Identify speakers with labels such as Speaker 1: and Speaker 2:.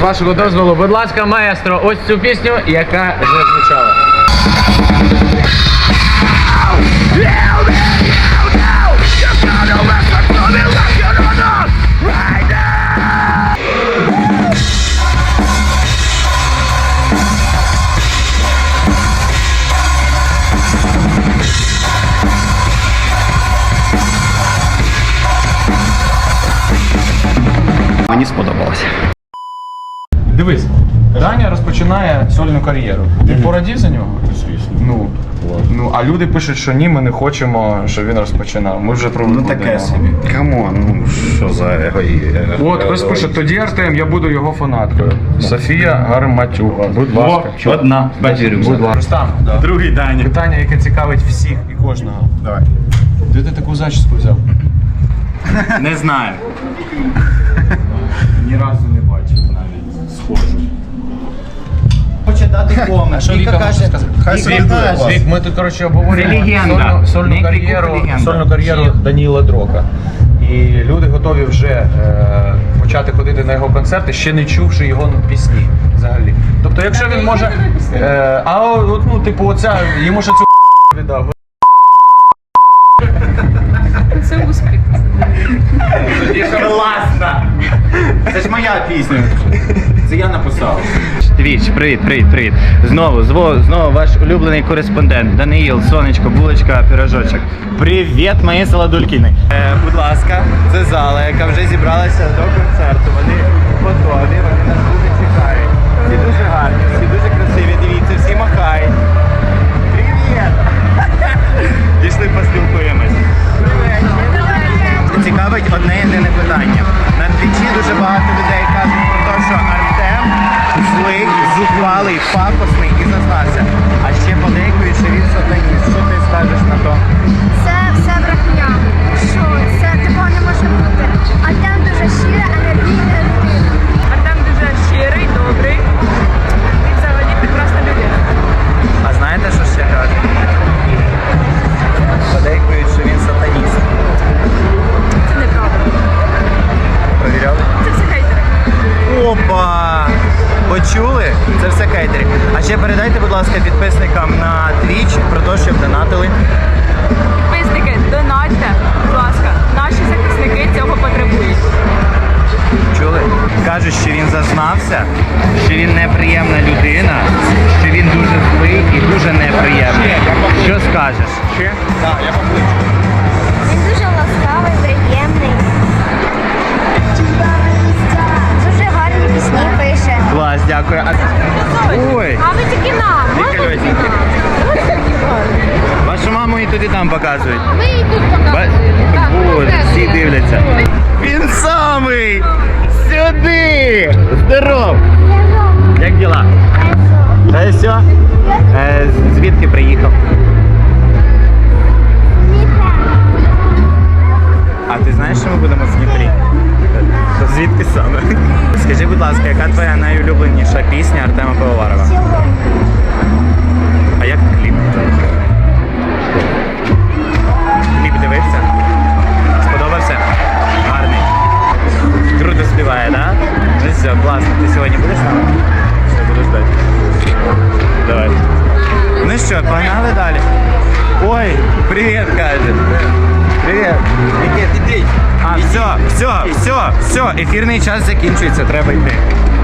Speaker 1: вашого дозволу, будь ласка, маестро, ось цю пісню, яка вже звучала.
Speaker 2: Мені сподобалося.
Speaker 3: Дивись, Даня розпочинає сольну кар'єру. Ти порадів за нього? Звісно. Ну, а люди пишуть, що ні, ми не хочемо, щоб він розпочинав. Ми вже про
Speaker 2: Ну таке собі. Камон, ну що за егоїзм.
Speaker 3: От, хтось пише, тоді Артем, я буду його фанаткою. Софія Гарматюга, будь ласка.
Speaker 2: Одна, бачу,
Speaker 3: Будь ласка. Рустам,
Speaker 2: другий Даня.
Speaker 3: питання, яке цікавить всіх і кожного.
Speaker 2: Давай.
Speaker 3: Де ти таку зачіску взяв?
Speaker 2: Не знаю. Ні разу не бачив навіть схожу. Хоче дати комент.
Speaker 3: Що Віка може сказати?
Speaker 2: Хай собі буде.
Speaker 3: Вік, ми тут, коротше,
Speaker 2: Це
Speaker 3: обговорюємо
Speaker 2: легенда.
Speaker 3: сольну кар'єру Даніла Дрока. І люди готові вже почати ходити на його концерти, ще не чувши його пісні взагалі. Тобто, якщо він може... ну, типу, оця, йому ще цю віддав.
Speaker 4: Це успіх.
Speaker 2: Класно! Це ж моя пісня. Це я написав. Твіч, привіт. Знову ваш улюблений кореспондент Даниїл, сонечко, булочка, пирожочок. Привіт, мої солодулькіни. Будь ласка, це зала, яка вже зібралася до концерту. Вони готові, вони нас дуже чекають. Всі дуже гарні, всі дуже красиві, дивіться, всі махають. Привіт! Пішли поспілкуємось. Цікавить одне єдине питання. На твічі дуже багато людей кажуть про те, що Артем злий, зухвалий, пафосний і зазнався. А ще подейкують, що він сатаніст. Що ти скажеш на то?
Speaker 5: Це все брехня. Що? Це такого не може бути. Артем дуже щира, енергійна людина.
Speaker 4: Артем дуже щирий, добрий. І взагалі прекрасна людина.
Speaker 2: А знаєте, що ще кажуть? Подейкують, що він сатаніст.
Speaker 4: Це неправда.
Speaker 2: Провіряли?
Speaker 4: Це все хейтери.
Speaker 2: Опа! Почули? Це все хейтери. А ще передайте, будь ласка, підписникам на Twitch про те, щоб донатили.
Speaker 4: Підписники, донатьте, будь ласка. Наші захисники цього потребують.
Speaker 2: Чули? Кажуть, що він зазнався, що він неприємна людина, що він дуже злий і дуже неприємний. Що скажеш?
Speaker 5: Він дуже ласкавий, приємний. Дуже гарні пісні пише.
Speaker 2: Клас, дякую. Ой,
Speaker 5: А ви тільки нам. Можна тільки нам?
Speaker 2: вашу маму і туди там показують.
Speaker 5: Ми і тут показуємо. Так,
Speaker 2: Боже, всі дивляться. Він самий! Сюди! Здоров! Як діла? Та все? Звідки приїхав? А ти знаєш, що ми будемо в Дніпрі? То звідки саме? Скажи, будь ласка, яка твоя найулюбленіша пісня Артема Пивоварова? А як кліп? Кліп дивився? Сподобався? Гарний. Круто співає, да? Ну все, класно. Ти сьогодні будеш з нами? Все, буду ждати. Давай. Ну що, погнали далі? Ой, привіт, каже. Привіт. Никит, іди. Все, ефірний час закінчується, треба йти.